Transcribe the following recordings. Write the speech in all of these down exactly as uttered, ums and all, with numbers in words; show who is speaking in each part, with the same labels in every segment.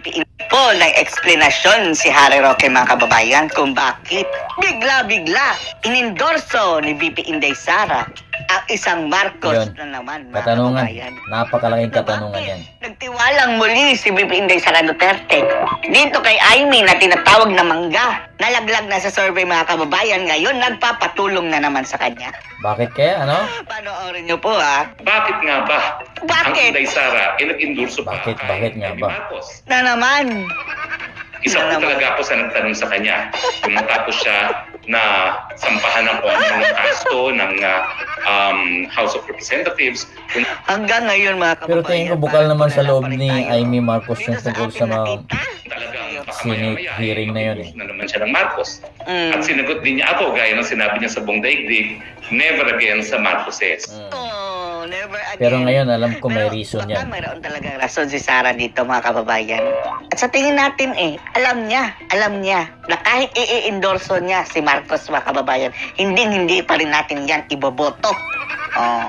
Speaker 1: po ng eksplanasyon si Harry Roque mga kababayan kung bakit bigla-bigla inendorso ni V P Inday Sara ang isang Marcos
Speaker 2: Yun.
Speaker 1: na naman mga
Speaker 2: Katanungan.
Speaker 1: kababayan.
Speaker 2: Napakalaking
Speaker 1: Na
Speaker 2: katanungan
Speaker 1: bakit
Speaker 2: yan.
Speaker 1: nagtiwalang muli si V P Inday Sara Duterte dito kay Aimee na tinatawag na mangga. Nalaglag na sa survey mga kababayan, ngayon nagpapatulong na naman sa kanya.
Speaker 2: Bakit kaya, ano?
Speaker 1: Panoorin niyo po ha.
Speaker 3: Bakit nga ba ang
Speaker 1: Bakit?
Speaker 3: Inday Sara ay nag-endorso pa
Speaker 2: Bakit?
Speaker 3: kay
Speaker 2: Bakit nga
Speaker 3: Amy
Speaker 2: ba?
Speaker 3: Marcos?
Speaker 1: Na naman.
Speaker 3: Isa
Speaker 1: Na
Speaker 3: po
Speaker 1: naman.
Speaker 3: talaga ako sa nagtanong sa kanya. Kung matapos siya na sampahan ng kung ano ng kasto ng ah, um, House of Representatives, kung
Speaker 1: Hanggang ngayon mga kababayan.
Speaker 2: Pero tingin ko bukal
Speaker 1: parang
Speaker 2: naman sa
Speaker 1: wala
Speaker 2: loob
Speaker 1: pa rin
Speaker 2: ni
Speaker 1: tayo.
Speaker 2: Aimee Marcos
Speaker 1: Dito
Speaker 2: yung
Speaker 1: sa
Speaker 2: tungkol
Speaker 1: ating
Speaker 2: sa mga
Speaker 1: nakita.
Speaker 3: talagang baka
Speaker 2: Senate
Speaker 3: maya-maya,
Speaker 2: hearing na yun eh.
Speaker 3: na naman siya ng Marcos.
Speaker 1: Mm.
Speaker 3: At sinagot din niya ako, gaya ng sinabi niya sa buong daigdig, never again sa Marcoses.
Speaker 2: Mm.
Speaker 1: Oh, never again.
Speaker 2: Pero ngayon alam ko may
Speaker 1: Pero
Speaker 2: reason
Speaker 1: baka
Speaker 2: yan.
Speaker 1: mayroon talagang rason si Sara dito mga kababayan. At sa tingin natin eh, alam niya, alam niya na kahit i-endorso niya si Marcos mga kababayan, hindi hindi pa rin natin yan iboboto. Oh.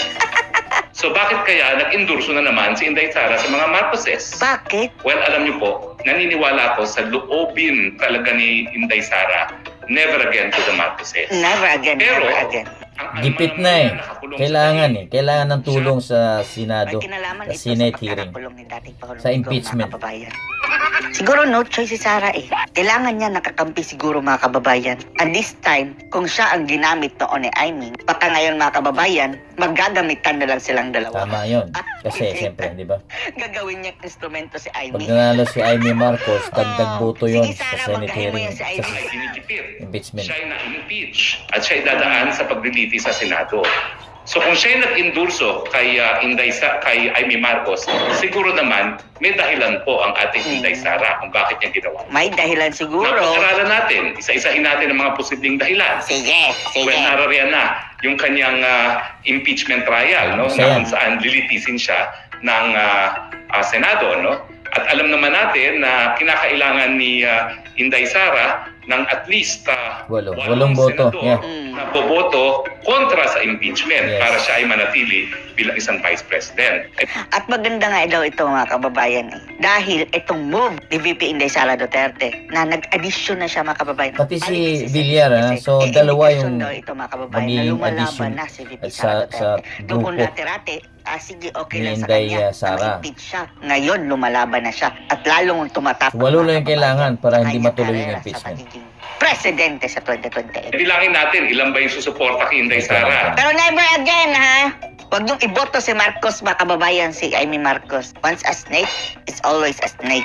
Speaker 3: So bakit kaya nag-endorso na naman si Inday Sara sa mga Marcoses?
Speaker 1: Bakit?
Speaker 3: Well, alam niyo po, naniniwala ako sa loobin talaga ni Inday Sara, never again to the Marcoses.
Speaker 1: Never again,
Speaker 3: Pero,
Speaker 1: never again.
Speaker 3: ang
Speaker 2: Gipit
Speaker 3: ano
Speaker 2: na
Speaker 3: naman
Speaker 2: eh.
Speaker 3: yan, nakakulong
Speaker 2: Kailangan
Speaker 3: sa
Speaker 2: eh. Kailangan ng tulong sa
Speaker 1: May
Speaker 2: Senado,
Speaker 1: kinalaman
Speaker 2: sa
Speaker 1: ito
Speaker 2: Senate
Speaker 1: sa
Speaker 2: hearing.
Speaker 1: pagkakakulong ni dating Pangulong
Speaker 2: Sa
Speaker 1: Digong,
Speaker 2: impeachment.
Speaker 1: mga kababayan. Siguro no choice si Sara eh. Kailangan niya nakakampi siguro mga kababayan. And this time, kung siya ang ginamit noon ni Aimee, baka ngayon mga kababayan, maggagamitan na lang silang dalawa.
Speaker 2: Tama yun. Kasi siyempre, di ba?
Speaker 1: Gagawin niya instrumento si
Speaker 2: Pag
Speaker 1: Aimee.
Speaker 2: nanalo si Aimee Marcos, dagdag
Speaker 1: Oo.
Speaker 2: boto yun
Speaker 1: Sige,
Speaker 2: sa
Speaker 1: Sara,
Speaker 2: Senate
Speaker 1: magkahiwa
Speaker 2: hearing.
Speaker 1: yan si
Speaker 2: Sa
Speaker 1: Aimee.
Speaker 3: ay sinigipit.
Speaker 2: impeachment.
Speaker 3: Siya ay na-impeach at siya ay dadaan sa pagdiliti sa Senado. So kung siya ay nag-endorso kay uh, Inday Sa kay Aimee Marcos, siguro naman may dahilan po ang ating
Speaker 1: Hmm.
Speaker 3: Inday Sara kung bakit niya ginawa.
Speaker 1: May dahilan siguro.
Speaker 3: Napag-aralan natin, isa-isahin natin ang mga posibleng dahilan.
Speaker 1: Sige, sige.
Speaker 3: Well, narariyan na yung kanyang ah, impeachment trial, no?
Speaker 2: Isa
Speaker 3: Na
Speaker 2: yan.
Speaker 3: kung saan lilitisin siya ng ah, ah, Senado, no? At alam naman natin na kinakailangan ni ah, Inday Sara ng at least ah,
Speaker 2: Walo.
Speaker 3: walong
Speaker 2: Walong boto.
Speaker 3: senador
Speaker 2: Yeah.
Speaker 1: Mm.
Speaker 3: na boboto kontra sa impeachment
Speaker 2: Yes.
Speaker 3: para siya ay manatili bilang isang vice president.
Speaker 1: At maganda nga daw ito mga kababayan eh. Dahil itong move ni V P Inday Sara Duterte na nag-addition na siya mga kababayan.
Speaker 2: Pati si
Speaker 1: Balik
Speaker 2: Villar, ah.
Speaker 1: kasi.
Speaker 2: So,
Speaker 1: Eh,
Speaker 2: dalawa
Speaker 1: indikasyon
Speaker 2: yung
Speaker 1: daw ito mga kababayan na
Speaker 2: magiging
Speaker 1: lumalaban
Speaker 2: addition
Speaker 1: na si V P
Speaker 2: at
Speaker 1: Sara
Speaker 2: sa- sa
Speaker 1: Duterte. Doon kung
Speaker 2: grupo
Speaker 1: dati-rati, ah, sige okay
Speaker 2: ni
Speaker 1: lang sa
Speaker 2: Inday,
Speaker 1: kanya
Speaker 2: ah, Sara.
Speaker 1: na ma-impeach siya. Ngayon lumalaban na siya at lalong tumatapos.
Speaker 2: Walo lang yung kailangan para hindi matuloy yung impeachment.
Speaker 1: Presidente sa twenty twenty-eight.
Speaker 3: Bilangin natin ilan ba yung susuporta kay Inday Sara.
Speaker 1: Pero never again, ha? Huwag niyong iboto si Marcos, mga kababayan, si Aimee Marcos. Once a snake, is always a snake.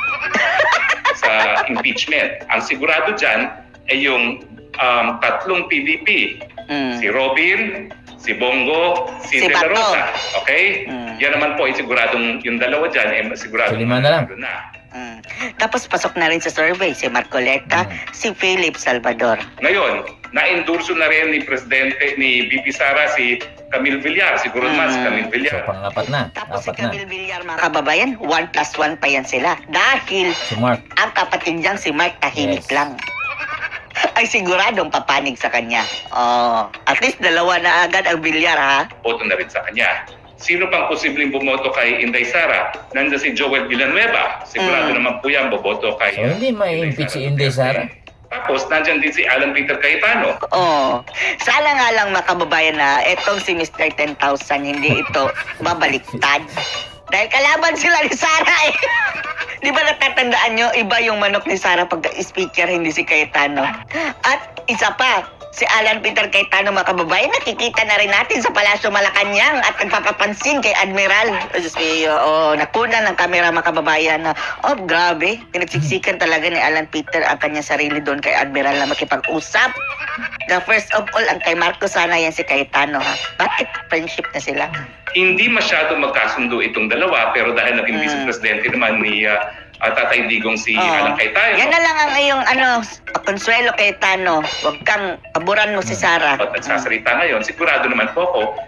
Speaker 3: Sa impeachment. Ang sigurado dyan ay yung um, tatlong P D P.
Speaker 1: Mm.
Speaker 3: Si Robin, si Bongo, si,
Speaker 1: Si
Speaker 3: De La
Speaker 1: Bato.
Speaker 3: Rosa. Okay?
Speaker 1: Mm.
Speaker 3: Yan naman po ay siguradong yung dalawa dyan ay siguradong
Speaker 2: So, lima na lang.
Speaker 3: manalo na.
Speaker 1: Mm. Tapos pasok na rin sa survey si Marcoleta,
Speaker 2: Mm.
Speaker 1: si Philip Salvador.
Speaker 3: Ngayon, na-endorso na rin ni Presidente, ni V P Sara si Camille Villar. Siguro naman si
Speaker 1: Mm.
Speaker 3: Camille
Speaker 2: So,
Speaker 3: Villar.
Speaker 2: pangapat na.
Speaker 1: Tapos si
Speaker 2: Apat na.
Speaker 1: Camille Villar, mga kababayan, one plus one pa yan sila. Dahil
Speaker 2: Si Mark.
Speaker 1: ang kapatid niyang si Mark tahimik
Speaker 2: Yes.
Speaker 1: lang. Ay siguradong papanig sa kanya. Oh, at least dalawa na agad ang Villar, ha?
Speaker 3: Boto na rin sa kanya. Sino pang posibleng bumoto kay Inday Sara? Nandiyan si Joel Villanueva. Sigurado
Speaker 1: Mm.
Speaker 3: naman po yan, boboto kay...
Speaker 2: So, hindi ma-impeach si Inday Sara.
Speaker 3: Tapos, nandiyan din si Alan Peter Cayetano.
Speaker 1: Oh, sana nga lang mga kababayan na etong si mister ten thousand hindi ito babaliktad. Dahil kalaban sila ni Sara eh. Di ba natatandaan nyo, iba yung manok ni Sara pag speaker, hindi si Cayetano. At isa pa, si Alan Peter Cayetano mga kababayan, nakikita na rin natin sa Palasyo Malacanang at nagpapapansin kay Admiral. Oh, Diyos mio, oh, nakuna ng kamera mga kababayan na, oh grabe, pinagsiksikan talaga ni Alan Peter ang kanyang sarili doon kay Admiral na makipag-usap. The first of all, ang kay Marcos sana yan si Cayetano ha. Bakit friendship na sila?
Speaker 3: Hindi masyado magkasundo itong dalawa, pero dahil naging
Speaker 1: Mm.
Speaker 3: vice presidente naman ni ah, ah, Tatay Digong si
Speaker 1: Oo.
Speaker 3: Alan Cayetano.
Speaker 1: Yan na lang ang iyong ano, Consuelo Cayetano. Huwag kang paboran mo si Sara.
Speaker 3: At nagsasalita ngayon, sigurado naman po ako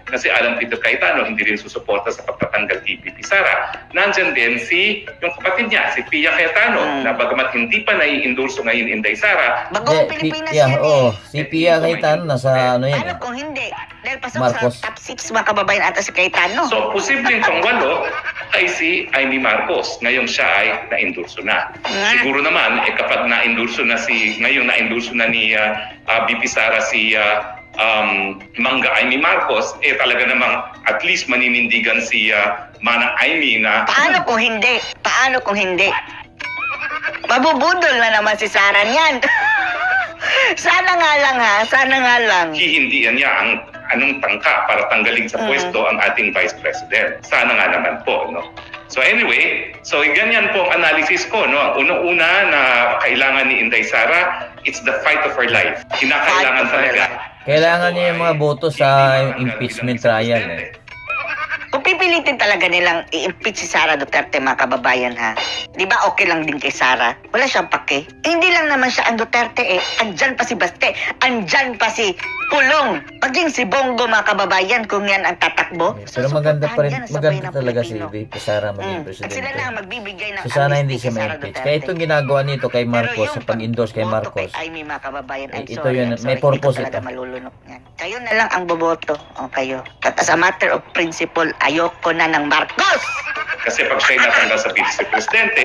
Speaker 3: na si Alan Peter Cayetano hindi rin susuporta sa pagtatanggal kay V P Sara. Nandyan din si yung kapatid niya, si Pia Cayetano,
Speaker 1: Mm.
Speaker 3: na bagamat hindi pa nai-endorso ngayon Inday Sara,
Speaker 1: Bagong
Speaker 2: Eh,
Speaker 1: Pilipinas
Speaker 2: yeah,
Speaker 1: yan
Speaker 2: oh,
Speaker 1: eh.
Speaker 2: si Pia Cayetano nasa ano yan
Speaker 1: Ano
Speaker 2: eh.
Speaker 1: kung hindi? Dahil pasok
Speaker 2: Marcos.
Speaker 1: sa top six mga kababayan ata si Cayetano.
Speaker 3: so posibleng pangwalo ay si Amy Marcos. Ngayon siya ay na-endorso na.
Speaker 1: Nga.
Speaker 3: Siguro naman, eh, kapag na-endorso na si, ngayon na-endorso na ni uh, uh, V P Sara si uh, um, Mangga Amy Marcos, eh talaga namang at least maninindigan si uh, Manang Amy na
Speaker 1: Paano kung hindi? Paano kung hindi? Mabubudol na naman si Sara niyan. Sana nga lang ha, sana nga lang.
Speaker 3: hihindihan niya ang anong tangka para tanggalin sa
Speaker 1: Mm.
Speaker 3: pwesto ang ating Vice President. Sana nga naman po, no? So anyway, so ganyan po ang analysis ko, no? Ang unang-una na kailangan ni Inday Sara, it's the fight of her life. Kinakailangan
Speaker 1: Fight of her
Speaker 3: talaga.
Speaker 1: life.
Speaker 2: Kailangan niya yung mga boto sa impeachment trial eh.
Speaker 1: Kung pipilitin talaga nilang i-impeach si Sara Duterte mga kababayan ha, di ba okay lang din kay Sara? Wala siyang pake. Eh, hindi lang naman siya ang Duterte eh. Andyan pa si Baste. Andyan pa si Pulong. Maging si Bongo mga kababayan kung yan ang tatakbo.
Speaker 2: Pero maganda pa rin,
Speaker 1: Susuportahan yan ang sabay
Speaker 2: maganda
Speaker 1: ng
Speaker 2: talaga si
Speaker 1: Pilipino.
Speaker 2: V P Sara maging
Speaker 1: Mm. At
Speaker 2: presidente.
Speaker 1: sila na ang magbibigay ng
Speaker 2: So sana
Speaker 1: amnesty
Speaker 2: hindi siya
Speaker 1: kay Sara
Speaker 2: ma-impeach.
Speaker 1: Duterte.
Speaker 2: Kaya itong ginagawa nito kay Marcos,
Speaker 1: Pero
Speaker 2: sa
Speaker 1: yung
Speaker 2: pag-endorse kay
Speaker 1: pagboto
Speaker 2: Marcos,
Speaker 1: kay Amy, mga kababayan, I'm
Speaker 2: Eh, ito
Speaker 1: sorry,
Speaker 2: yun,
Speaker 1: I'm
Speaker 2: may
Speaker 1: sorry.
Speaker 2: purpose
Speaker 1: Hindi ko talaga
Speaker 2: ito.
Speaker 1: malulunok yan. Kayo na lang ang boboto. O kayo. At as a matter of principle, ayoko na ng Marcos!
Speaker 3: Kasi pag siya'y natanggal sa vice-presidente,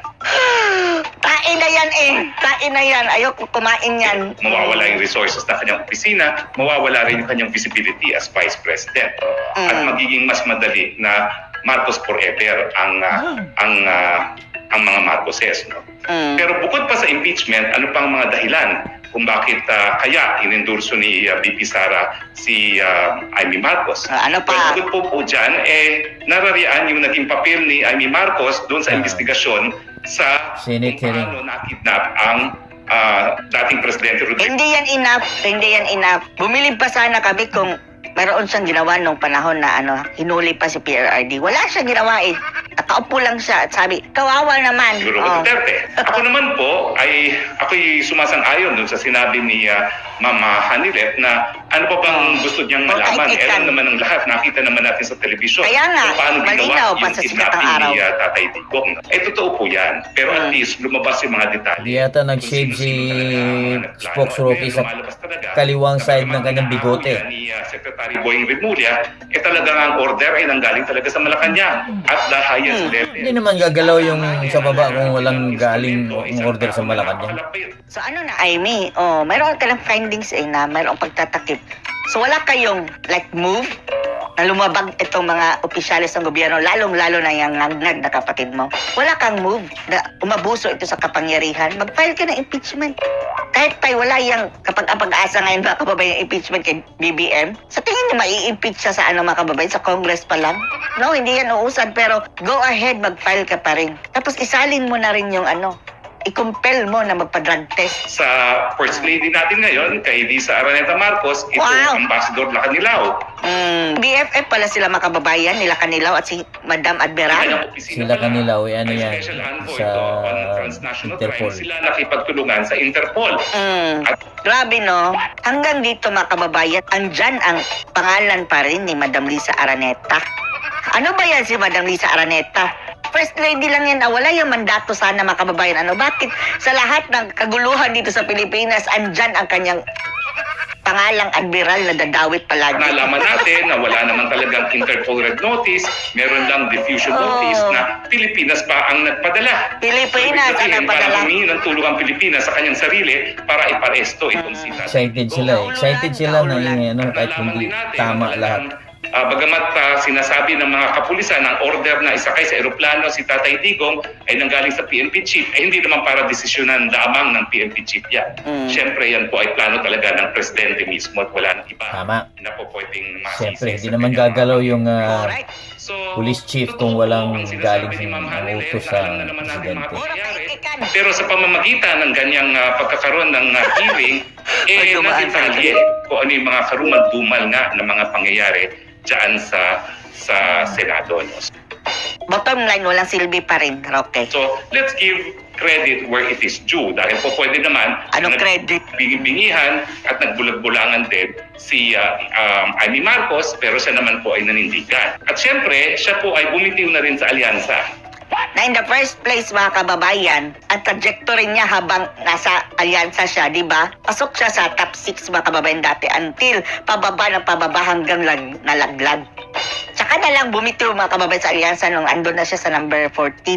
Speaker 1: Tain na yan eh! Tain na yan! Ayoko kumain yan.
Speaker 3: mawawala yung resources na kanyang opisina, mawawala rin yung kanyang visibility as Vice President. At
Speaker 1: Mm.
Speaker 3: magiging mas madali na Marcos forever ang ah, ang ah, ang mga Marcoses, no?
Speaker 1: Mm.
Speaker 3: Pero bukod pa sa impeachment, ano pang mga dahilan kung bakit ah, kaya inendorso ni ah, V P Sara si ah, Amy Marcos?
Speaker 1: Ah, ano
Speaker 3: Well,
Speaker 1: pa?
Speaker 3: bukod po po dyan, eh, narariyan yung naging papel ni Amy Marcos doon sa
Speaker 2: Ah.
Speaker 3: investigasyon sa
Speaker 2: Senate
Speaker 3: kung
Speaker 2: hearing.
Speaker 3: paano nakidnap ang ah, dating Presidente Rodrigo.
Speaker 1: Hindi yan enough. Hindi yan enough. Bumili pa sana kami kung mayroon siyang ginawa nung panahon na ano, hinuli pa si P R R D. Wala siyang ginawa eh. Nakaupo lang siya at sabi, kawawa naman.
Speaker 3: Siguro
Speaker 1: Oh.
Speaker 3: Duterte. Ako naman po ay ako'y sumasang-ayon dun sa sinabi ni ah, Mama Hanilet na ano pa bang gusto niyang
Speaker 1: Oh,
Speaker 3: malaman.
Speaker 1: kahit
Speaker 3: Eh, alam
Speaker 1: ikan.
Speaker 3: naman ng lahat, nakita naman natin sa telebisyon
Speaker 1: Kaya nga,
Speaker 3: kung paano
Speaker 1: malinaw
Speaker 3: ginawa
Speaker 1: pa
Speaker 3: yung
Speaker 1: sa sikat ng
Speaker 3: kidnapping
Speaker 1: araw.
Speaker 3: ni ah, Tatay Digong. Eh, totoo po yan. Pero at
Speaker 1: Hmm.
Speaker 3: least lumabas yung mga detalye.
Speaker 2: Di yata
Speaker 3: Kung
Speaker 2: nag-shave si
Speaker 3: sino-sino talaga ang mga nagplano.
Speaker 2: spokesrocky
Speaker 3: Ngayon,
Speaker 2: sa
Speaker 3: lumalabas talaga,
Speaker 2: kaliwang
Speaker 3: sa
Speaker 2: side ng
Speaker 3: mga
Speaker 2: kanyang bigote.
Speaker 3: pinaakulan Ni ah, Secretary Boying Rimulya, eh talagang ang order ay nanggaling talaga sa Malacanang at the highest
Speaker 1: Hmm.
Speaker 3: level.
Speaker 2: Hindi naman gagalaw yung sa baba kung walang galing ang order sa Malacanang.
Speaker 1: So ano na, Amy, oh, mayroon ka lang findings eh na mayroong pagtatakip. So wala kayong like move na lumabag itong mga opisyalis ng gobyerno, lalong-lalo na yung ngagnag na kapatid mo. Wala kang move na umabuso ito sa kapangyarihan. Mag-file ka ng impeachment. Kahit pa wala yung kapag ang pag-asa ngayon mga kababayan yung impeachment kay B B M, sa tingin niyo mai-impeach siya sa ano mga kababayan, sa Congress pa lang? No, hindi yan uusad, pero go ahead, mag-file ka pa rin. Tapos isalin mo na rin yung ano, i-compel mo na magpa-drug test.
Speaker 3: Sa First Lady natin ngayon, kay Lisa Araneta Marcos, ito
Speaker 1: Wow.
Speaker 3: Ambassador Lacanilaw.
Speaker 1: Mm, B F F pala sila mga kababayan, nila Kanilaw at si Madam Admiral.
Speaker 3: Kanyang opisina
Speaker 2: Sila
Speaker 3: pala
Speaker 2: Kanilaw, eh, ano
Speaker 3: ay
Speaker 2: yan,
Speaker 3: Special Envoy
Speaker 2: sa
Speaker 3: ito on transnational
Speaker 2: Interpol.
Speaker 3: crime. Sila nakipagtulungan sa Interpol.
Speaker 1: Mm, grabe no. Hanggang dito mga kababayan, andyan ang pangalan pa rin ni Madam Lisa Araneta. Ano ba yan si Madam Lisa Araneta? First Lady lang yan, ah, wala yung mandato sana mga kababayan. Ano, bakit sa lahat ng kaguluhan dito sa Pilipinas, andyan ang kanyang pangalang admiral na dadawit palagi?
Speaker 3: Nalaman natin na wala naman talagang Interpol Red Notice, meron lang diffusion
Speaker 1: Oh.
Speaker 3: notice na Pilipinas pa ang nagpadala.
Speaker 1: Pilipinas ang
Speaker 3: Sabihin,
Speaker 1: nagpadala.
Speaker 3: parang humingi ng tulong ang Pilipinas sa kanyang sarili para iparesto itong si Tatay
Speaker 2: Excited
Speaker 3: Digong.
Speaker 2: sila eh. Excited sila na yung ano, kahit
Speaker 3: Nalaman
Speaker 2: hindi
Speaker 3: din natin
Speaker 2: tama
Speaker 3: na
Speaker 2: lahat.
Speaker 3: talagang, ah, bagamat ah, sinasabi ng mga kapulisan ang order na isakay sa eroplano si Tatay Digong ay nanggaling sa P N P chief, ay hindi naman para desisyonan lamang ng P N P chief yan.
Speaker 1: Mm.
Speaker 3: Siyempre yan po ay plano talaga ng presidente mismo at wala nang iba
Speaker 2: Tama.
Speaker 3: na po pwedeng masisi.
Speaker 2: Siyempre, hindi
Speaker 3: sa
Speaker 2: naman
Speaker 3: kanyang
Speaker 2: gagalaw
Speaker 3: mga-
Speaker 2: yung ah,
Speaker 1: Alright.
Speaker 3: So,
Speaker 2: police chief
Speaker 3: totoo
Speaker 2: kung walang
Speaker 3: ang sinasabi
Speaker 2: galing
Speaker 3: ni Ma'am
Speaker 2: sa
Speaker 3: Hanilet,
Speaker 2: utos
Speaker 3: na
Speaker 2: sa
Speaker 3: alam na naman natin mga
Speaker 2: presidente.
Speaker 3: pangyayari.
Speaker 1: Puro kritikan.
Speaker 3: Pero sa pamamagitan ng ganyang ah, pagkakaroon ng ah, hearing, eh
Speaker 1: Ay, dumaan
Speaker 3: nadetalye kung ano yung mga karumal-dumal nga ng mga pangyayari dyan sa sa Senado. No?
Speaker 1: bottom line, walang silbi pa rin, Roque.
Speaker 3: So, let's give credit where it is due. Dahil po pwede naman
Speaker 1: Anong
Speaker 3: na
Speaker 1: credit?
Speaker 3: bingi-bingihan at nagbulag-bulangan din si uh, um, Amy Marcos, pero siya naman po ay nanindigan. At syempre, siya po ay bumitiw na rin sa alyansa.
Speaker 1: Na in the first place, mga kababayan, ang trajectory niya habang nasa alyansa siya, di ba? Pasok siya sa top six, mga kababayan, dati until pababa ng pababa hanggang lag, nalaglag. Tsaka na lang bumitiw, mga kababayan, sa alyansa nung andun na siya sa number fourteen.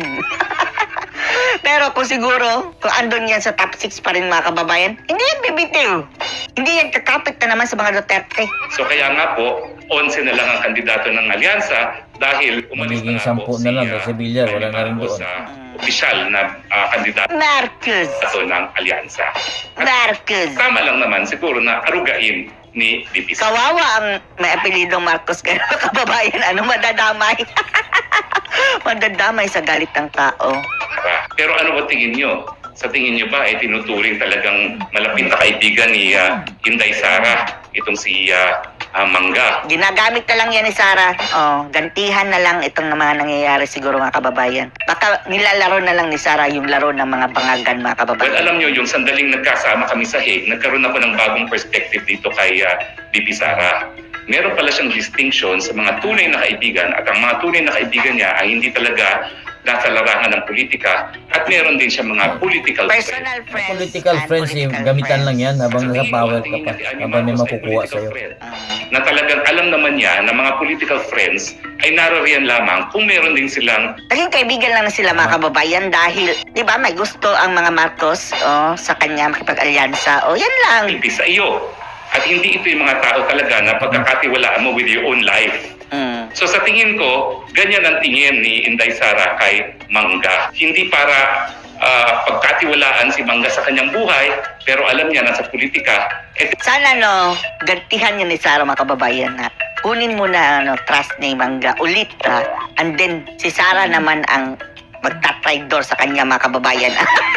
Speaker 1: Pero kung siguro, kung andun yan sa top six pa rin, mga kababayan, hindi yan bibitiw. Hindi yan kakapit na naman sa mga Duterte.
Speaker 3: So kaya nga po, onse na lang ang kandidato ng alyansa dahil umalis
Speaker 2: Magiging
Speaker 3: na nga
Speaker 2: sampu
Speaker 3: po
Speaker 2: na lang
Speaker 3: si,
Speaker 2: kasi
Speaker 3: uh,
Speaker 2: Villar,
Speaker 3: Amy
Speaker 2: wala na rin
Speaker 3: Marcos
Speaker 2: doon.
Speaker 3: sa opisyal na uh, kandidato
Speaker 1: Marcos!
Speaker 3: ng alyansa. At
Speaker 1: Marcos!
Speaker 3: tama lang naman siguro na arugain ni B P Sara.
Speaker 1: Kawawa ang may apelidong Marcos kaya kababayan, ano, madadamay. Madadamay sa galit ng tao.
Speaker 3: Pero ano ba tingin nyo? Sa tingin nyo ba ay tinuturing talagang malapit na kaibigan ni uh, Inday Sara itong si uh, uh, Mangga?
Speaker 1: Ginagamit na lang yan ni Sara. Oh, gantihan na lang itong mga nangyayari siguro, mga kababayan. Baka nilalaro na lang ni Sara yung laro ng mga bangagan, mga
Speaker 3: Well,
Speaker 1: kababayan.
Speaker 3: alam nyo, yung sandaling nagkasama kami sa Hague, nagkaroon ako ng bagong perspective dito kay uh, B P Sara. Meron pala siyang distinction sa mga tunay na kaibigan at ang mga tunay na kaibigan niya ay hindi talaga nasa larangan ng politika at meron din siya mga political friends.
Speaker 1: Personal friends.
Speaker 2: Political
Speaker 1: and
Speaker 2: friends, yung
Speaker 1: political
Speaker 2: gamitan lang
Speaker 1: friends.
Speaker 2: yan habang
Speaker 3: Sa
Speaker 2: nasa
Speaker 3: tingin ko,
Speaker 2: power
Speaker 3: ang
Speaker 2: ka
Speaker 3: tingin
Speaker 2: pa,
Speaker 3: ni Amy
Speaker 2: habang may
Speaker 3: Marcos ay
Speaker 2: makukuha
Speaker 3: political
Speaker 2: sa'yo.
Speaker 3: friend.
Speaker 1: Ah.
Speaker 3: Na talagang alam naman niya na mga political friends ay naroriyan lamang kung meron din silang
Speaker 1: Naging kaibigan lang na sila, mga kababayan, dahil, di ba, may gusto ang mga Marcos oh, sa kanya makipag-alyansa. O, yan lang.
Speaker 3: pilpi sa iyo. At hindi ito yung mga tao talaga na pagkakatiwalaan mo with your own life.
Speaker 1: Mm.
Speaker 3: So sa tingin ko, ganyan ang tingin ni Inday Sara kay Mangga. Hindi para ah, pagkatiwalaan si Mangga sa kanyang buhay, pero alam niya na sa politika, eh,
Speaker 1: Sana, no, gantihan niya ni Sara, mga kababayan, na kunin mo na, ano, trust ni Mangga ulit, ha? And then, si Sara naman ang magtatraidor sa kanya, mga kababayan.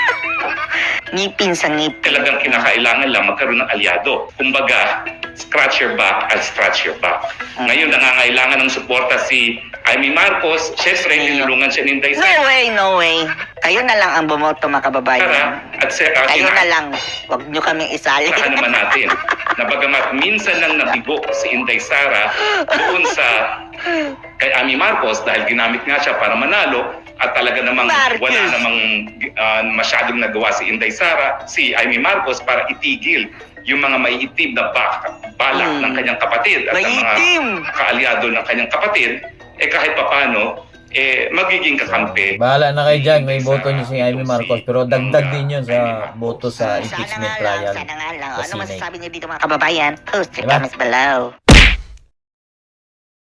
Speaker 1: Ngipin sa ngipin.
Speaker 3: talagang kinakailangan lang magkaroon ng alyado. Kumbaga, scratch your back at scratch your back. Ngayon, nangangailangan ng suporta si Amy Marcos. Siyempre, tinulungan siya ni Inday
Speaker 1: No
Speaker 3: Sara.
Speaker 1: way, no way. Kayo na lang ang bumoto, mga kababayan.
Speaker 3: At sa uh,
Speaker 1: Kayo na lang. Huwag nyo kaming isali.
Speaker 3: Saka naman natin na bagamat minsan lang nabigo si Inday Sara doon sa kay Amy Marcos dahil ginamit nga siya para manalo at talaga namang
Speaker 1: Marcos.
Speaker 3: wala namang uh, masyadong nagawa si Inday Sara, si Amy Marcos para itigil yung mga maiitim na bak- balak
Speaker 1: Hmm.
Speaker 3: ng kanyang kapatid at ang mga
Speaker 1: Maitim.
Speaker 3: kaalyado ng kanyang kapatid, eh kahit papano, eh magiging kakampi.
Speaker 2: Bahala na kayo dyan, may
Speaker 3: Inday
Speaker 2: boto
Speaker 3: Sara,
Speaker 2: niyo si Amy
Speaker 3: itong
Speaker 2: Marcos,
Speaker 3: si
Speaker 2: pero dagdag
Speaker 3: Mangga,
Speaker 2: din yun
Speaker 3: Amy
Speaker 2: sa
Speaker 3: Marcos.
Speaker 2: boto sa
Speaker 1: Sana
Speaker 2: impeachment
Speaker 1: nga lang,
Speaker 2: trial.
Speaker 1: sana nga lang.
Speaker 2: sa
Speaker 1: Ano
Speaker 2: Senate.
Speaker 1: masasabi niyo dito, mga kababayan? Post your
Speaker 2: Diba?
Speaker 1: comments below.